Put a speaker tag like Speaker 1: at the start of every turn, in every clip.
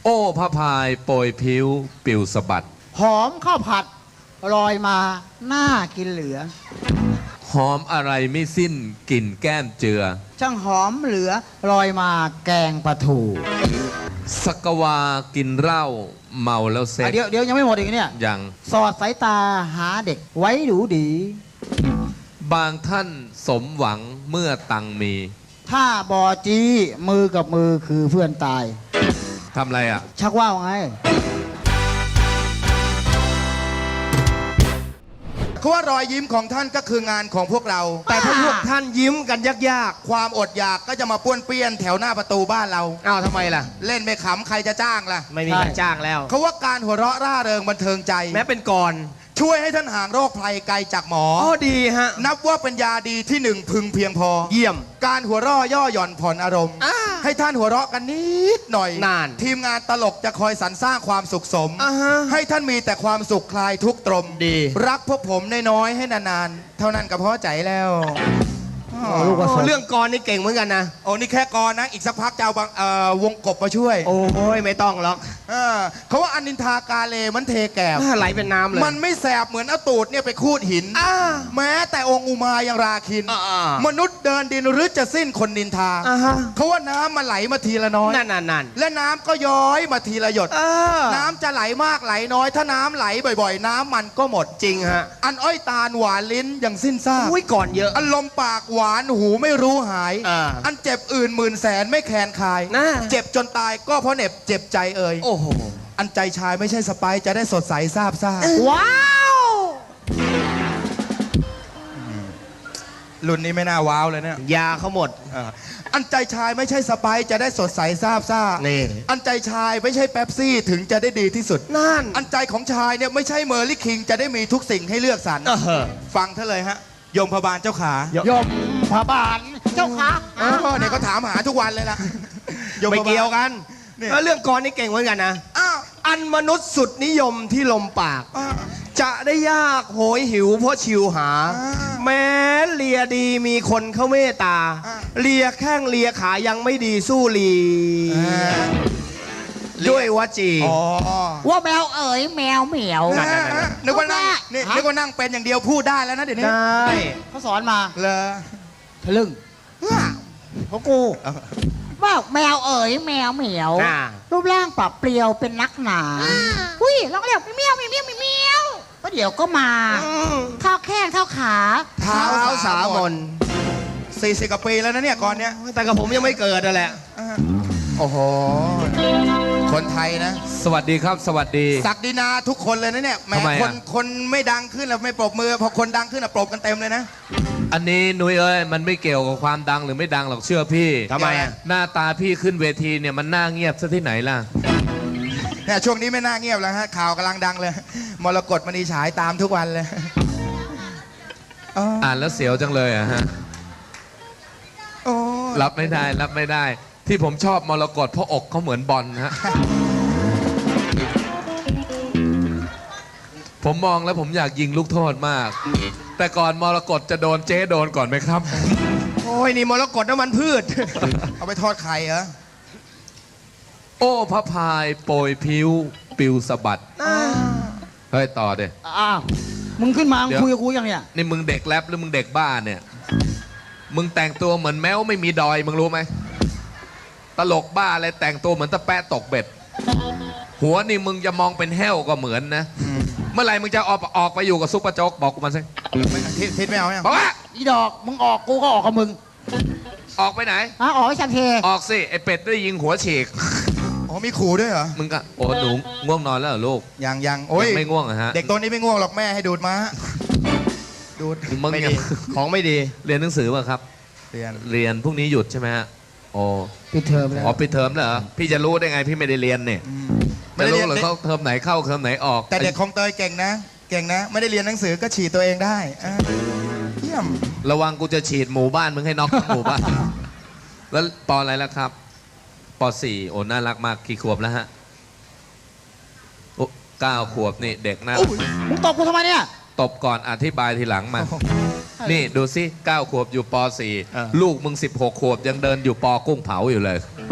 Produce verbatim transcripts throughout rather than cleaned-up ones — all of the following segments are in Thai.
Speaker 1: โอ้พระพายโปรยผิวปิวสะบัด
Speaker 2: หอมข้าวผัดลอยมาน่ากินเหลือ
Speaker 1: หอมอะไรไม่สิ้นกลิ่นแก้มเจือ
Speaker 2: ช่างหอมเหลือลอยมาแกงปลาทู
Speaker 1: สักวากินเหล้าเมาแล้วเซ็ต
Speaker 2: เดี๋ยวเดี๋ยวยังไม่หมดอีกเนี่ย
Speaker 1: ยัง
Speaker 2: สอดสายตาหาเด็กไว้ดูดี
Speaker 1: บางท่านสมหวังเมื่อตังมี
Speaker 2: ถ้าบอจีมือกับมือคือเพื่อนตาย
Speaker 1: ทำอะไรอ่ะ
Speaker 2: ชักว่าวไง
Speaker 3: คือว่ารอยยิ้มของท่านก็คืองานของพวกเรา
Speaker 4: แต่ถ้าพวกท่านยิ้มกันยาก
Speaker 3: ๆความอดอยากก็จะมาป้วนเปี้ยนแถวหน้าประตูบ้านเรา
Speaker 4: อ้าวทำไมล่ะ
Speaker 3: เล่นไม่ขำใครจะจ้างล่ะ
Speaker 4: ไม่มีใครจ้างแล้ว
Speaker 3: เขาว่าการหัวเราะร่าเริงบันเทิงใจ
Speaker 4: แม้เป็นก่อน
Speaker 3: ช่วยให้ท่านห่างโรคภัยไกลจากหมอ
Speaker 4: อ๋อดีฮะ
Speaker 3: นับว่าเป็นยาดีที่หนึ่งพึงเพียงพอ
Speaker 4: เยี่ยม
Speaker 3: การหัวเราะย่อหย่อนผ่อนอารมณ์ให้ท่านหัวเราะกันนิดหน่อย
Speaker 4: นาน
Speaker 3: ทีมงานตลกจะคอยสรรสร้างความสุขสมให้ท่านมีแต่ความสุขคลายทุกตรม
Speaker 4: ดี
Speaker 3: รักพวกผมน้อยๆให้นานๆเท่านั้นก็พอใจแล้ว
Speaker 4: เรื่องกรนี่เก่งเหมือนกันนะ
Speaker 3: โอ้นี่แค่กรนะอีกสักพักจะเอาวงกบมาช่วย
Speaker 4: โอ้ยไม่ต้องหรอก
Speaker 3: เขาว่าอนินทากาเลมันเทแก่
Speaker 4: ไหลเป็นน้ำเลย
Speaker 3: มันไม่แสบเหมือนเอาตูดเนี่ยไปคูดหินแม้แต่องค์อุมายังราคินมนุษย์เดินดินหรือจะสิ้นคนนินทาเขาว่าน้ำมันไหลมาทีละน้อย
Speaker 4: นั่นนั่น
Speaker 3: และน้ำก็ย้อยมาทีละหยดน้ำจะไหลมากไหลน้อยถ้าน้ำไหลบ่อยๆน้ำมันก็หมด
Speaker 4: จริงฮะ
Speaker 3: อันอ้อยตาลหวานลิ้นอย่างสิ้นซาก
Speaker 4: อุ้ยก่อนเยอะ
Speaker 3: อันลมปากหวานหูไม่รู้หายอันเจ็บอื่นหมื่นแสนไม่แคลนคายเจ็บจนตายก็เพราะเหน็บเจ็บใจเอ่ย
Speaker 4: โอ้โห
Speaker 3: อันใจชายไม่ใช่สไปซ์จะได้สดใสซาบซ่า
Speaker 2: ว้าว
Speaker 3: รุ่นนี้ไม่น่าว้าวเลยเนี่ย
Speaker 4: ยาเขาหมด
Speaker 3: อันใจชายไม่ใช่สไปซ์จะได้สดใสซาบซ่า
Speaker 4: นี่
Speaker 3: อันใจชายไม่ใช่เป๊ปซี่ถึงจะได้ดีที่สุด
Speaker 4: นั่น
Speaker 3: อันใจของชายเนี่ยไม่ใช่เมอร์ลี่คิงจะได้มีทุกสิ่งให้เลือกสรรฟังเท่าเลยฮะยมพบาลเจ้าขาย
Speaker 2: มพบาลเจ้าขา
Speaker 3: เนี่ยเขาถามหาทุกวันเลยล่ะ
Speaker 4: ไม่เกี่ยวกันแล้วเรื่องกรนี่เก่งเหมือนกันนะอันมนุษย์สุดนิยมที่ลมปากจะได้ยากโหยหิวเพราะชิวหาแม้เลียดีมีคนเข้าเมตตาเลียแข้งเลียขายังไม่ดีสู้ลีด้วยวจี
Speaker 2: ว่าแมวเอ๋ยแมวเหมียว
Speaker 3: นึกว่านั่งนี่นึกว่านั่งเป็นอย่างเดียวพูดได้แล้วนะเดี๋ยวนี้
Speaker 4: ได้
Speaker 2: เขาสอนมา
Speaker 3: เลย
Speaker 2: ทะลึ่งเขากูว่าแมวเอ๋ยแมวเหมียวรูปร่างปรับเปลี่ยวเป็นนักหนาอุ้ยลองเรียกเมียวเมียวเมียวเมียวก็เดี๋ยวก็มาข้าวแข้งข้าวขา
Speaker 4: เท้าสามน
Speaker 3: สี่สิบกว่าปีแล้วนะเนี่ยก่อนเนี้ย
Speaker 4: แต่กับผมยังไม่เกิดนั่นแหละ
Speaker 3: โอ้โหคนไทยนะ
Speaker 1: สวัสดีครับสวัสดี
Speaker 3: ศักดินาทุกคนเลยนะเนี่ยแม้คนคนไม่ดังขึ้นแล้วไม่ปรบมือพอคนดังขึ้นอ่ะปรบกันเต็มเลยนะ
Speaker 1: อันนี้นุ้ยเอ้ยมันไม่เกี่ยวกับความดังหรือไม่ดังหรอกเชื่อพี่
Speaker 4: ทำไมอ่ะ
Speaker 1: หน้าตาพี่ขึ้นเวทีเนี่ยมันน่าเงียบซะที่ไหนล่ะ
Speaker 3: เนี่ยช่วงนี้ไม่น่าเงียบแล้วฮะข่าวกำลังดังเลยมรกตมณีฉายตามทุกวันเลย
Speaker 1: อ่านแล้วเสียวจังเลยอะฮะรับไม่ได้รับไม่ได้ที่ผมชอบมรกตเพราะอกเขาเหมือนบอลฮะผมมองแล้วผมอยากยิงลูกโทษมากแต่ก่อนมรกตจะโดนเจ๊โดนก่อนไหมครับ
Speaker 3: โอ้ยนี่มรกตน้ำมันพืชเอาไปทอดไข่เหรอ
Speaker 1: โอ้พระพายโปรยผิวปิวสะบัดเฮ้ยต่อเด้
Speaker 2: อ้าวมึงขึ้นมาคุยกับกูยังเนี่ย
Speaker 1: นี่มึงเด็กแรปหรือมึงเด็กบ้าเนี่ยมึงแต่งตัวเหมือนแมวไม่มีดอยมึงรู้ไหมตลกบ้าอะไรแต่งตัวเหมือนตะแปะตกเบ็ดหัวนี่มึงจะมองเป็นแห้วก็เหมือนนะเมื่อไหร่มึงจะออกออกไปอยู่กับซุปเปอร์โจ๊กบอกกูมาสิ
Speaker 3: ทิศไม่เอาเนี่ย
Speaker 1: บอกว่า
Speaker 2: อีดอกมึงออกกูก็ออกกับมึง
Speaker 1: ออกไปไหน
Speaker 2: ฮะออกไปชันเท
Speaker 1: ออกสิไอเป็ดได้ยิงหัวฉีก
Speaker 3: อ๋อมีขู่ด้วยเหรอ
Speaker 1: มึงก็โอ้หนูง่วงนอนแล้วเหรอลูก
Speaker 3: ยังยังโอ้ย
Speaker 1: ไม่ง่วงเหรอฮะ
Speaker 3: เด็กตัวนี้ไม่ง่วงหรอกแม่ให้ดูดมาดูด
Speaker 1: มึง
Speaker 4: ไม่ดีของไม่ดี
Speaker 1: เรียนหนังสือป่ะครับ
Speaker 3: เรียน
Speaker 1: เรียนพรุ่งนี้หยุดใช่ไหมฮะโอ้
Speaker 2: ปิดเทอมแล้ว
Speaker 1: อ๋อปิดเทอมแล้วเหรอพี่จะรู้ได้ไงพี่ไม่ได้เรียนเนี่ยไม่รู้หรือเขาเทอมไหนเข้าเทอมไหนออก
Speaker 3: แต่เด็กของเตยเก่งนะเก่งนะไม่ได้เรียนหนังสือก็ฉีดตัวเองได้เยี่ยม
Speaker 1: ระวังกูจะฉีดหมู่บ้านมึงให้น็อกหมู่บ้านแล้วปออะไรแล้วครับปอสี่โอ้น่ารักมากกี่ขวบแล้วฮะโอ้เก้าขวบนี่เด็กน่ารัก
Speaker 2: มึงตบกูทำไมเนี่ย
Speaker 1: ตบก่อนอธิบายทีหลังมานี่ดูสิเก้าขวบอยู่ปอสี่ลูกมึงสิบหกขวบยังเดินอยู่ปอกุ้งเผาอยู่เลย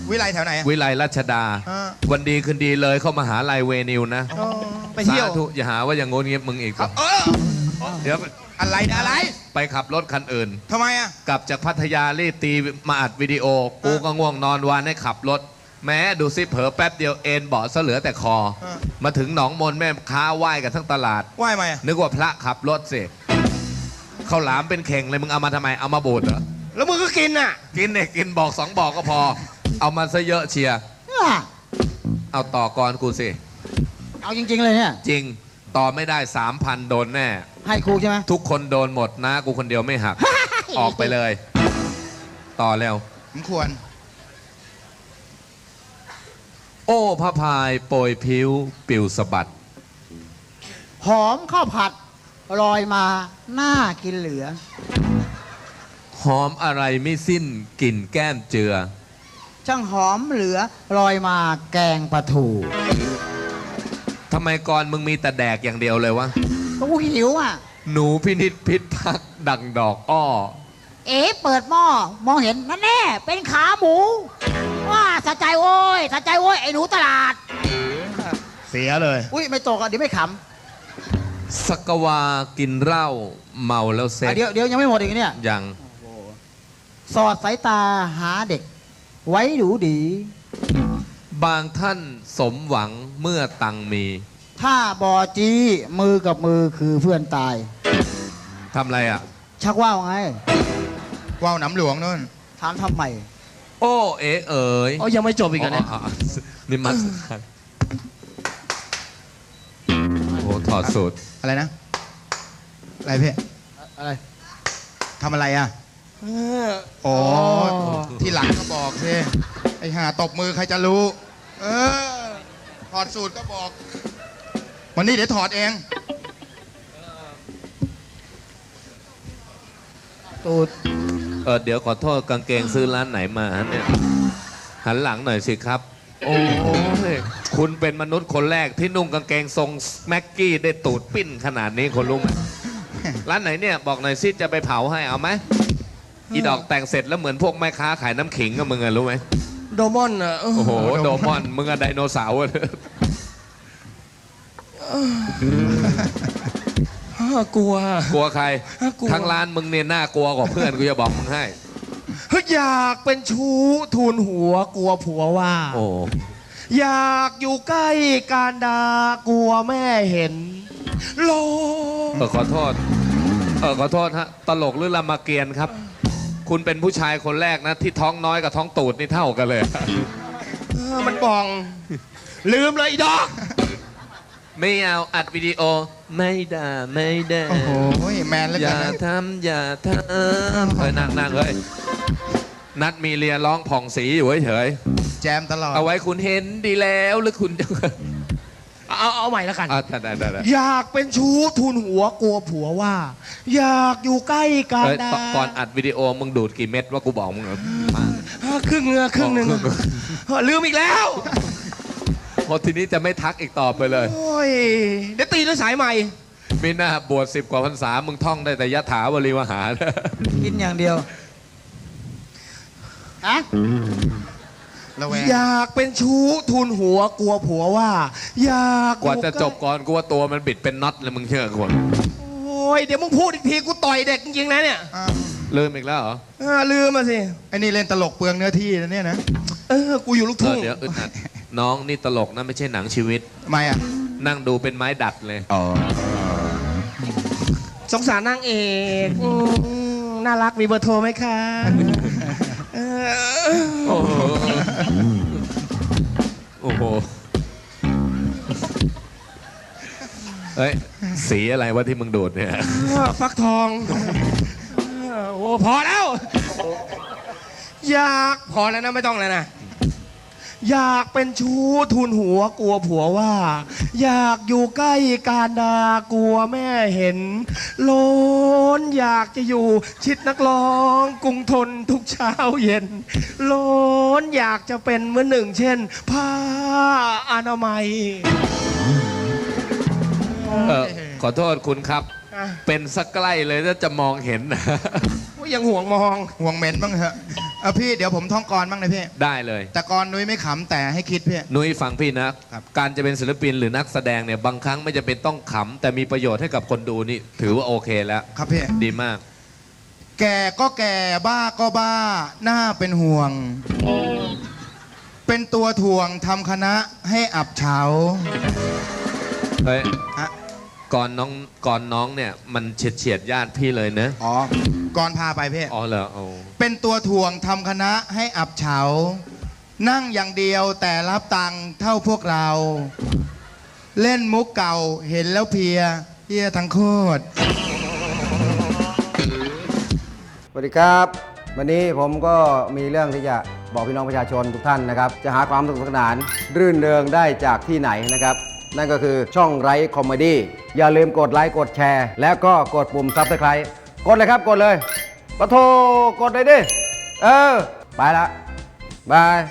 Speaker 3: วิไลแถวไหนอะ
Speaker 1: วิไลรัชดา
Speaker 3: อ่า
Speaker 1: วันดีคืนดีเลยเข้ามาหาลัยเวนิวนะ
Speaker 4: อ๋อไปเที่ยว
Speaker 1: สาธุอย่าหาว่าอย่างงนเงียบมึงอีก
Speaker 3: เออ
Speaker 1: เดี๋ยว
Speaker 3: อะไรนะอะไร
Speaker 1: ไปขับรถคันอื่น
Speaker 3: ทำไมอะ
Speaker 1: กลับจากพัทยารีบตีมาอัดวิดีโอ กูก็ง่วงนอนวานให้ขับรถ แม้ดูซิเผลอแป๊บเดียวเอ็นเบาะซะเหลือแต่คอ มาถึงหนองมนแม่ค้าไหว้กันทั้งตลาด
Speaker 3: ไหว้ไหมอะ
Speaker 1: นึกว่าพระขับรถสิข้าวหลามเป็นเข่งเลยมึงเอามาทำไมเอามาบูดเหรอ
Speaker 4: แล้วมึงก็กินอ่ะ
Speaker 1: กินเนี่ยกินบอกสองบอกก็พอ เอามาซะเยอะเชียร์
Speaker 2: เนี่ย
Speaker 1: เอาต่อก่อนกูสิ
Speaker 2: เอาจริง ๆ เลยเนี่ย
Speaker 1: จริงต่อไม่ได้สามพันโดนแน่
Speaker 2: ให้ครูใช่ไหม
Speaker 1: ทุกคนโดนหมดนะ กูคนเดียวไม่หัก ออกไปเลย ต่อแล้ว
Speaker 3: ผมควร
Speaker 1: โอ้พระพายโปรยผิวปิวสะบัด
Speaker 2: หอมข้าวผัดลอยมาน่ากินเหลือ
Speaker 1: หอมอะไรไม่สิ้นกลิ่นแก้มเจือ
Speaker 2: ช่างหอมเหลือลอยมาแกงปลาทู
Speaker 1: ทำไมก่อนมึงมีแต่แดกอย่างเดียวเลยวะ
Speaker 2: กูหิวอ่ะ
Speaker 1: หนูพินิษพิษพักดังดอกอ้อ
Speaker 2: เอ๋เปิดหม้อมองเห็นนั่นแน่เป็นขาหมู ว่าสะใจโว้ยสะใจโว้ยไอ้หนูตลาด
Speaker 4: เสียเลย
Speaker 2: อุ้ยไม่ตกอ่ะเดี๋ยวไม่ข
Speaker 1: สักวากินเหล้าเมาแล้ว
Speaker 2: ำ
Speaker 1: เซ็
Speaker 2: อ่ะ
Speaker 1: ก
Speaker 2: เดี๋ยวเดี๋ยวยังไม่หมดอีกเนี่ย
Speaker 1: ยัง
Speaker 2: สอดสายตาหาเด็ก ไว้ดูดี
Speaker 1: บางท่านสมหวังเมื่อตังมี
Speaker 2: ถ้าบอจีมือกับมือคือเพื่อนตาย
Speaker 1: ทำอะไรอ่ะ
Speaker 2: ชักว่าวไง
Speaker 3: ว่าวหน้ำหลวงนู่น
Speaker 2: ถามทำไม
Speaker 1: โอ้เอ๋เอ๋ย
Speaker 4: อ๋อยังไม่จบอีกเหรอเนี่ย
Speaker 1: อ๋ออ๋อนี่มันโอ้ถอดสูตร
Speaker 3: อะไรนะ อะไรพี่
Speaker 2: อะไร
Speaker 3: ทำอะไรอะ
Speaker 4: เออ
Speaker 3: อ๋อ
Speaker 2: อ๋อ
Speaker 3: ที่หลังก็บอกสิไอ้ห่าตบมือใครจะรู้ เออ ถอดสูตรก็บอก วันนี้เดี๋ยวถอดเอง
Speaker 2: ตูด
Speaker 1: เออเดี๋ยวขอโทษกางเกงซื้อร้านไหนมาเนี่ยหันหลังหน่อยสิครับ โอ้ยคุณเป็นมนุษย์คนแรกที่นุ่งกางเกงทรงแม็กกี้ได้ตูดปิ้นขนาดนี้คนรู้ไหมร้านไหนเนี่ยบอกหน่อยสิจะไปเผาให้เอาไหมอีดอกแต่งเสร็จแล้วเหมือนพวกแม่ค้าขายน้ำขิงกับมึงอะรู้ไหม
Speaker 4: โดมอนอ่ะ
Speaker 1: โอ้โหโดมอนมึงอะไดโนเสาร์อะ
Speaker 4: เออกลัว
Speaker 1: กลัวใคร
Speaker 4: กลัว
Speaker 1: ทั้งร้านมึงเนี่ยน่ากลัวกว่าเพื่อนกูจะบอกมึงให้
Speaker 4: เฮ้ยอยากเป็นชู้ทูลหัวกลัวผัวว่า
Speaker 1: โอ้
Speaker 4: อยากอยู่ใกล้การดากลัวแม่เห็นโล
Speaker 1: เออขอโทษ เออขอโทษฮะตลกหรือรามเกียรติ์ครับ คุณเป็นผู้ชายคนแรกนะ ที่ท้องน้อยกับท้องตูดนี่เท่ากันเลย
Speaker 4: เออมันบอง ลืมเลยอีดอก
Speaker 1: ไม่เอาอัดวิดีโอไม่ได้ไม่ได้
Speaker 3: โอ้โหแมนเหลือ
Speaker 1: อ
Speaker 3: เกิ
Speaker 1: ย่าน ทำอย่าทำเฮ้ยนั่งนั่งเฮ้ยนัดมีเรียร้องผ่องสีอยู่เฉย
Speaker 3: แจมตลอด
Speaker 1: ๆเอาไว้คุณเห็นดีแล้วหรือคุณจะ
Speaker 4: เอาเอาใหม่แล้วกัน
Speaker 1: อ่ะได้ได้ได้ได้
Speaker 4: อยากเป็นชู้ทูลหัวกลัวผัวว่า อยากอยู่ใกล้การ
Speaker 1: เอ้ย
Speaker 4: ดา
Speaker 1: ก่อนอัดวิดีโอมึงดูดกี่เม็ดว่ากูบอกมึงเหรอ
Speaker 4: อ่ะครึ่งเงือครึ่งหนึ่ง
Speaker 1: อ๋อครึ่ง
Speaker 4: เออลืมอีกแล้ว
Speaker 1: พอทีนี้จะไม่ทักอีกต่อไปเลย
Speaker 4: โอ้ยเดี๋ยวตีด้วยสายใหม่
Speaker 1: มีหน้าบวชสิบกว่าพรรษามึงท่องได้แต่ยะถาวรีวหา
Speaker 2: กินอย่างเดียวอะ
Speaker 3: ระแวง
Speaker 4: อยากเป็นชู้ทูลหัวกลัวผัวว่า อยาก
Speaker 1: กว่าจะ
Speaker 4: อยู่ใล้
Speaker 1: จบก่อนกูว่าตัวมันบิดเป็นน็อตเลยมึงเชื่อกู
Speaker 4: โอ้ยเดี๋ยวมึงพูดอีกทีกูต่อยเด็กจริงๆนะเนี่ย
Speaker 3: อ้าว
Speaker 1: ลืมอีกแล้วเหรอ
Speaker 4: เออลืมมาสิ
Speaker 3: ไอ้นี่เล่นตลกเปลืองเนื้อที่นะเนี่ยนะ
Speaker 4: เออกูอยู่ลูก
Speaker 1: เอ
Speaker 4: ทุ่
Speaker 1: อง เดี๋ยวอึดอัดน้องนี่ตลกนะไม่ใช่หนังชีวิต
Speaker 3: ทำไมอ่ะ
Speaker 1: นั่งดูเป็นไม้ดัดเลย
Speaker 3: อ๋อ
Speaker 4: สงสารนางเอกอืมน่ารักมีเบอร์โทรไหมคะเออ
Speaker 1: โอ้โหโอ้โหเฮ้ยสีอะไรวะที่มึงดูดเนี่ย
Speaker 4: ฟักทองเออโอ้พอแล้ว อยากพอแล้วนะไม่ต้องแล้วนะ อยากเป็นชู้ทูลหัวกลัวผัวว่า อยากอยู่ใกล้การดากลัวแม่เห็นโลนอยากจะอยู่ชิดนักร้องกรุงทนทุกเช้าเย็นโลนอยากจะเป็นเหมือนหนึ่งเช่น ผ้าอนามัย
Speaker 1: เออขอโทษคุณครับ
Speaker 4: อ่ะ
Speaker 1: เป็นสักใกล้เลยถ้าจะมองเห็นนะ
Speaker 4: ยังห่วงมอง
Speaker 3: ห่วงเหม็นบ้างเถอะเออพี่เดี๋ยวผมท่องกรบ้างนะพี่
Speaker 1: ได้เลย
Speaker 3: แต่กรนุ้ยไม่ขำแต่ให้คิดพี่
Speaker 1: นุ้ยฟังพี่นะครับ การจะเป็นศิลปินหรือนักแสดงเนี่ยบางครั้งไม่จะเป็นต้องขำแต่มีประโยชน์ให้กับคนดูนี่ถือว่าโอเคแล้ว
Speaker 3: ครับพี่
Speaker 1: ดีมาก
Speaker 3: แก่ก็แก่บ้าก็บ้าหน้าเป็นห่วง เป็นตัวถ่วงทำคณะให้อับเฉา
Speaker 1: เฮ้ย
Speaker 3: ฮะ
Speaker 1: ก่อนน้องก่อนน้องเนี่ยมันเฉียดเฉียดญาติพี่เลยเนะ
Speaker 3: อ๋อ กรพาไปพี่
Speaker 1: อ๋อเหรอโอ้
Speaker 3: เป็นตัวถ่วงทำคณะให้อับเฉา นั่งอย่างเดียวแต่รับตังค์เท่าพวกเรา เล่นมุกเก่าเห็นแล้วเพลียเพลียทั้งโคตร
Speaker 5: สวัสดีครับ วันนี้ผมก็มีเรื่องที่จะบอกพี่น้องประชาชนทุกท่านนะครับ จะหาความสนุกสนานรื่นเริงได้จากที่ไหนนะครับ นั่นก็คือช่องไร้คอมเมดี้อย่าลืมกดไลค์กดแชร์ แล้วก็กดปุ่มซับสไครต์กดเลยครับกดเลยปะโทกดเลยดิ เออ ไปละบาย